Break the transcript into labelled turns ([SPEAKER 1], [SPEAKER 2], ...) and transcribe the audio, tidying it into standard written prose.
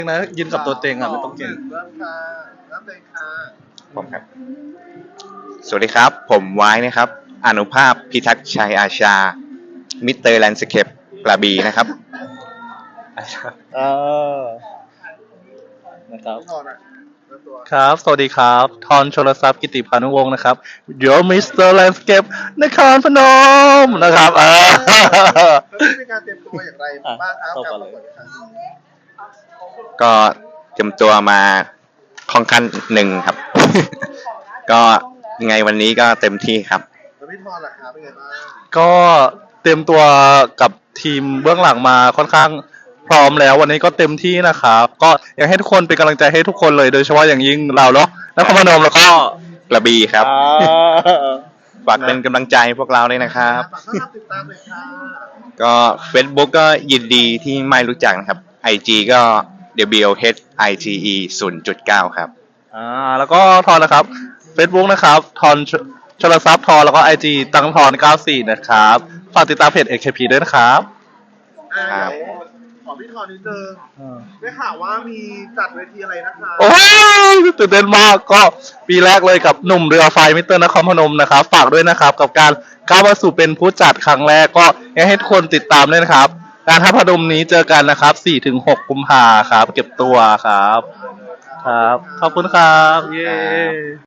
[SPEAKER 1] นะยืนกับตัวเต็งอ่ะไม่ต้องเก่ง
[SPEAKER 2] เริ่มค่ะเริ่มเลยค่ะ
[SPEAKER 3] ผมครับ สวัสดีครับ ผมไว้นะครับ อนุภาพพิทักษ์ชัยอาชา มิสเตอร์แลนด์สเคปกระบี่นะครับ
[SPEAKER 1] เออนะครับ
[SPEAKER 2] พี่ทอนอ่ะเริ่มตัว
[SPEAKER 1] ครับ สวัสดีครับ ทอนชลทรัพย์กิติพานุวงศ์นะครับ Your Mr. Landscape นครพนมนะครับ
[SPEAKER 2] แล้วมีการเตรียมตัวอย่างไรบ้างครับกับประกวดครั้งนี้
[SPEAKER 3] ก็เตรียมตัวมาค่อนข้างหนึ่งครับ ก็ยังไงวันนี้ก็เต็มที่ครับ
[SPEAKER 2] แล้วพี่ทอนล่ะครับเป็นไงบ้าง
[SPEAKER 1] ก็เตรียมตัวกับทีมเบื้องหลังมาค่อนข้างพร้อมแล้ววันนี้ก็เต็มที่นะครับก็อยากให้ทุกคนเป็นกำลังใจให้ทุกคนเลยโดยเฉพาะอย่างยิ่งเราเนาะนครพนมแล้วก็
[SPEAKER 3] กระบี่ครับ ฝากเป็นกำลังใจพวกเราเลยนะครับ
[SPEAKER 2] ฝากต้อนรับติดตามเลยค่ะ
[SPEAKER 3] ก็ Facebook ก็ยินดีที่ไม่รู้จักนะครับ IG ก็ WHITE 0.9 ครับ
[SPEAKER 1] แล้วก็ทอนนะครับ Facebook นะครับทอนชลทรัพย์ทอนแล้วก็ IG ตังทอน94นะครับฝากติดตามเพจ AKP ด้วยนะครับ
[SPEAKER 3] ครับ
[SPEAKER 2] เดี๋ยวขอพี่ทอนนิดนึงได้ข่าวว่ามีจัดเวทีอะไรนะคะ
[SPEAKER 1] โอ้ยตื่นเต้นมากก็ปีแรกเลยกับหนุ่มเรือไฟมิสเตอร์นครพนมนะครับฝากด้วยนะครับกับการก้าวมาสู่เป็นผู้จัดครั้งแรกก็อยากให้ทุกคนติดตามด้วยนะครับการทัพพนมนี้เจอกันนะครับ 4-6 กุมภาครับเก็บตัวครับครับขอบคุณครับเย้